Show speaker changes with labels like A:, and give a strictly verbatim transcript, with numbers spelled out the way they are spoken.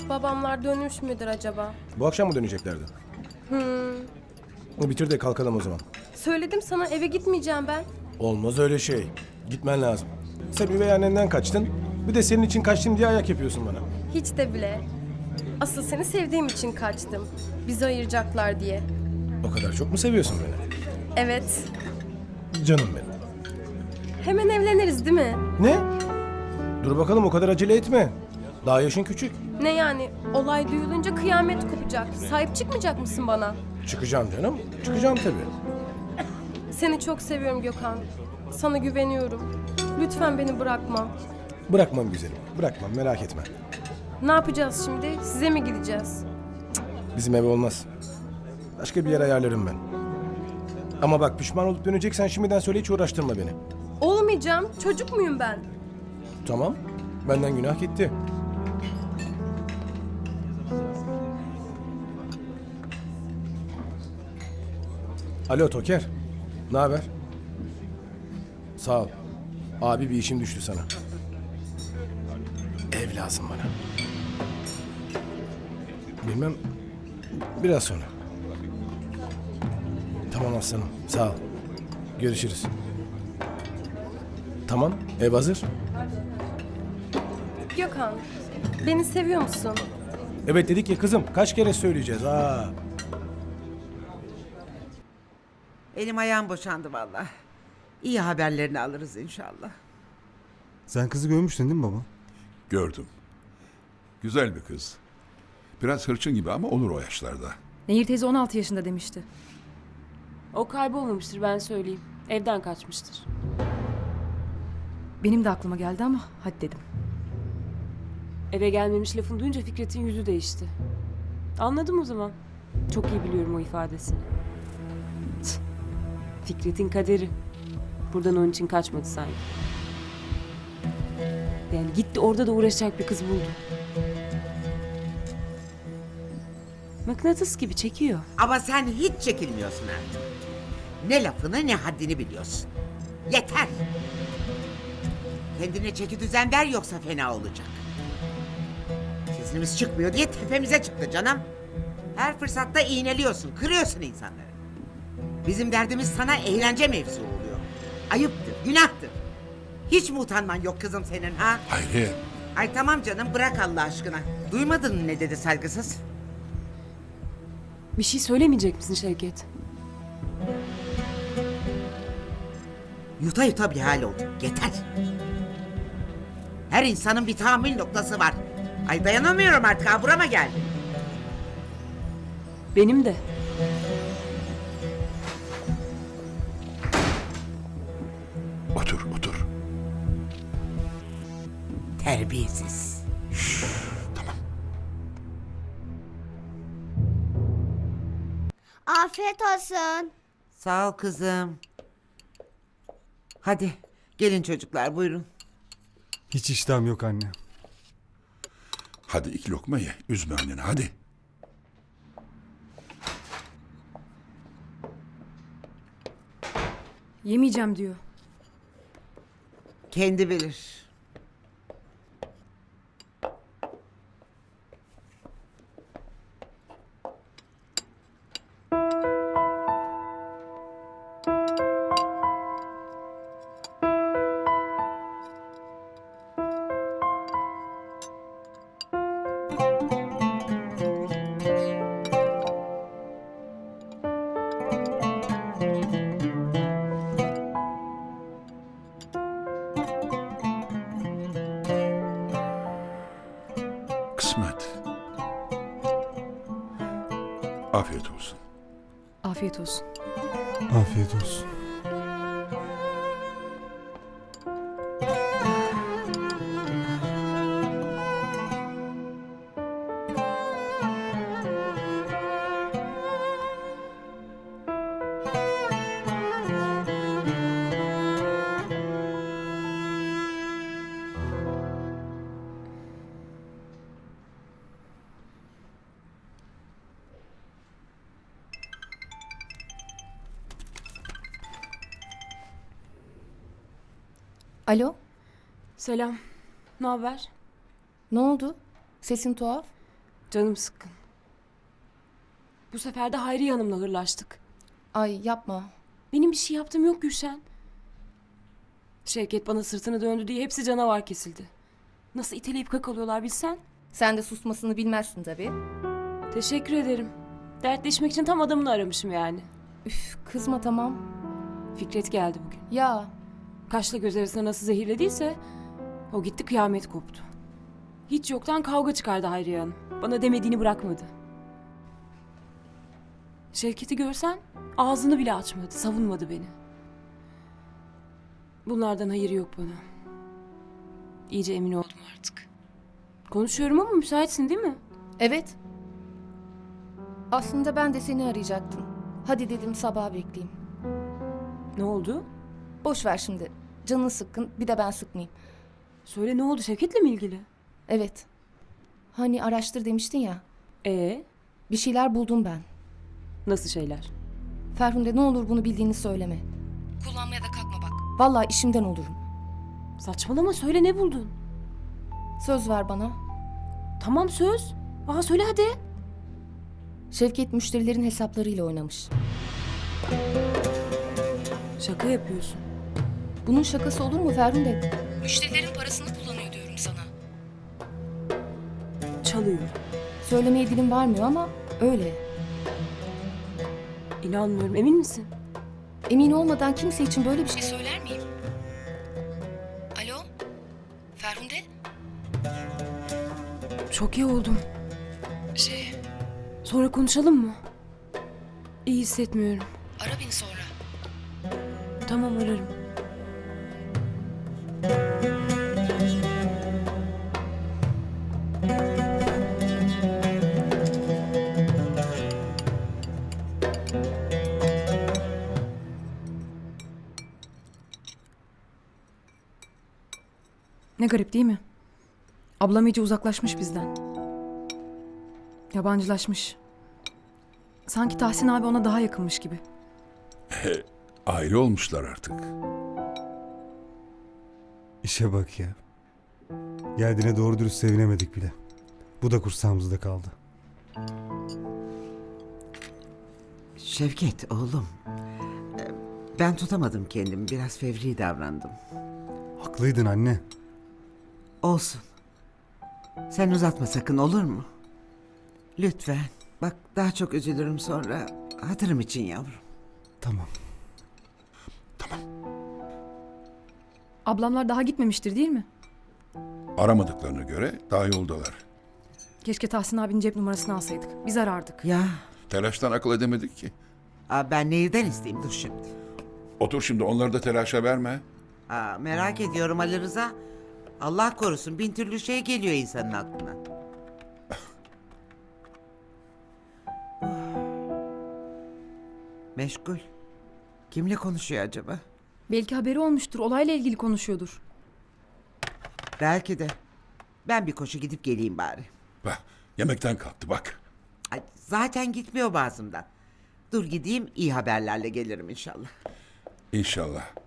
A: Babamlar dönmüş müdür acaba?
B: Bu akşam mı döneceklerdi?
A: Hmm.
B: Bitir de kalkalım o zaman.
A: Söyledim sana, eve gitmeyeceğim ben.
B: Olmaz öyle şey. Gitmen lazım. Sen üvey annenden kaçtın. Bir de senin için kaçtım diye ayak yapıyorsun bana.
A: Hiç de bile. Asıl seni sevdiğim için kaçtım. Bizi ayıracaklar diye.
B: O kadar çok mu seviyorsun beni?
A: Evet.
B: Canım benim.
A: Hemen evleniriz değil mi?
B: Ne? Dur bakalım, o kadar acele etme. Daha yaşın küçük.
A: Ne yani? Olay duyulunca kıyamet kopacak. Sahip çıkmayacak mısın bana?
B: Çıkacağım canım. Çıkacağım tabii.
A: Seni çok seviyorum Gökhan. Sana güveniyorum. Lütfen beni bırakma.
B: Bırakmam güzelim. Bırakmam, merak etme.
A: Ne yapacağız şimdi? Size mi gideceğiz?
B: Bizim ev olmaz. Başka bir yer ayarlarım ben. Ama bak, pişman olup döneceksen şimdiden söyle, hiç uğraştırma beni.
A: Olmayacağım. Çocuk muyum ben?
B: Tamam. Benden günah gitti. Alo Toker. Ne haber? Sağ ol. Abi, bir işim düştü sana. Ev lazım bana. Bilmem. Biraz sonra. Tamam aslanım. Sağ ol. Görüşürüz. Tamam. Ev hazır.
A: Gökhan, beni seviyor musun?
B: Evet dedik ya kızım. Kaç kere söyleyeceğiz? Aa.
C: Elim ayağım boşandı vallahi. İyi haberlerini alırız inşallah.
D: Sen kızı görmüştün değil mi baba?
E: Gördüm. Güzel bir kız. Biraz hırçın gibi ama olur o yaşlarda.
F: Nehir teyze on altı yaşında demişti.
G: O kaybolmamıştır, ben söyleyeyim. Evden kaçmıştır.
F: Benim de aklıma geldi ama hadi dedim.
G: Eve gelmemiş lafını duyunca Fikret'in yüzü değişti. Anladım o zaman. Çok iyi biliyorum o ifadesini. Tüh. Fikret'in kaderi. Buradan onun için kaçmadı sanki. Yani gitti, orada da uğraşacak bir kız buldu. Mıknatıs gibi çekiyor.
C: Ama sen hiç çekilmiyorsun artık. Ne lafını ne haddini biliyorsun. Yeter. Kendine çeki düzen ver, yoksa fena olacak. Sesimiz çıkmıyor diye tepemize çıktı canım. Her fırsatta iğneliyorsun, kırıyorsun insanları. Bizim derdimiz sana eğlence mevzu oluyor. Ayıptır, günahtır. Hiç mi utanman yok kızım senin ha?
E: Hayriye.
C: Ay tamam canım, bırak Allah aşkına. Duymadın mı ne dedi saygısız?
G: Bir şey söylemeyecek misin Şevket?
C: Yuta yuta bir hal oldu. Yeter. Her insanın bir tahammül noktası var. Ay dayanamıyorum artık, ha burama geldi.
G: Benim de.
E: Otur otur.
C: Terbiyesiz.
E: Tamam.
H: Afiyet olsun.
C: Sağ ol kızım. Hadi gelin çocuklar, buyurun.
D: Hiç iştahım yok anne.
E: Hadi iki lokma ye. Üzme anneni hadi.
F: Yemeyeceğim diyor.
C: Kendi bilir.
E: Kısmet. Afiyet olsun.
F: Afiyet olsun.
D: Afiyet olsun.
F: Alo,
G: Selam. Ne haber?
F: ne oldu? Sesin tuhaf.
G: Canım sıkkın. Bu sefer de Hayriye Hanım'la hırlaştık.
A: Ay yapma.
G: Benim bir şey yaptığım yok Gülşen. Şevket bana sırtını döndü diye hepsi canavar kesildi. Nasıl iteleyip kakalıyorlar bilsen.
I: Sen de susmasını bilmezsin tabii.
G: Teşekkür ederim. Dertleşmek için tam adamını aramışım yani.
A: Üf, kızma tamam.
G: Fikret geldi bugün.
A: Ya
G: Kaşla göz arasına nasıl zehirlediyse o gitti, kıyamet koptu. Hiç yoktan kavga çıkardı Hayriye Hanım. Bana demediğini bırakmadı. Şevket'i görsen ağzını bile açmadı, savunmadı beni. Bunlardan hayır yok bana. İyice emin oldum artık. Konuşuyorum ama müsaitsin değil mi?
A: evet. Aslında ben de seni arayacaktım. Hadi dedim sabaha bekleyeyim.
G: Ne oldu?
A: Boş ver şimdi. Canın sıkkın bir de ben sıkmayayım.
G: Söyle, ne oldu, Şevket'le mi ilgili?
A: Evet. Hani araştır demiştin ya.
G: Ee,
A: Bir şeyler buldum ben.
G: nasıl şeyler?
A: Ferhunde ne olur bunu bildiğini söyleme. Kullanmaya da kalkma bak. Vallahi işimden olurum.
G: Saçmalama, söyle, ne buldun?
A: Söz ver bana.
G: Tamam, söz. Aa, söyle hadi.
A: Şevket müşterilerin hesaplarıyla oynamış.
G: Şaka yapıyorsun.
A: Bunun şakası olur mu Ferhunde? Müşterilerin parasını kullanıyor diyorum sana.
G: Çalıyor.
A: Söylemeye dilim varmıyor ama öyle.
G: İnanmıyorum, emin misin?
A: Emin olmadan kimse için böyle bir şey söyler miyim? Alo? Ferhunde?
G: Çok iyi oldum.
A: Şey,
G: Sonra konuşalım mı? İyi hissetmiyorum.
A: ara beni sonra.
G: Tamam, ararım.
F: Ne garip değil mi? Ablam iyice uzaklaşmış bizden. Yabancılaşmış. Sanki Tahsin abi ona daha yakınmış gibi.
E: Aile olmuşlar artık.
D: İşe bak ya. Geldiğine doğru dürüst sevinemedik bile. Bu da kursağımızda kaldı.
C: Şevket oğlum. e, Ben tutamadım kendimi. Biraz fevri davrandım.
D: Haklıydın anne.
C: Olsun. Sen uzatma sakın, olur mu? Lütfen. Bak daha çok üzülürüm sonra. Hatırım için yavrum.
D: Tamam.
F: Ablamlar daha gitmemiştir değil mi?
E: Aramadıklarına göre daha yoldalar.
F: Keşke Tahsin abinin cep numarasını alsaydık. Biz arardık.
C: Ya
E: Telaştan akıl edemedik ki.
C: aa, ben neyden isteyeyim, dur şimdi.
E: Otur şimdi, onları da telaşa verme.
C: Aa, merak ediyorum Ali Rıza. Allah korusun, bin türlü şey geliyor insanın aklına. Meşgul. Kimle konuşuyor acaba?
F: Belki haberi olmuştur. Olayla ilgili konuşuyordur.
C: Belki de. Ben bir koşu gidip geleyim bari.
E: Bak, yemekten kalktı bak.
C: Ay, zaten gitmiyor bazımdan. Dur gideyim, iyi haberlerle gelirim inşallah.
E: İnşallah.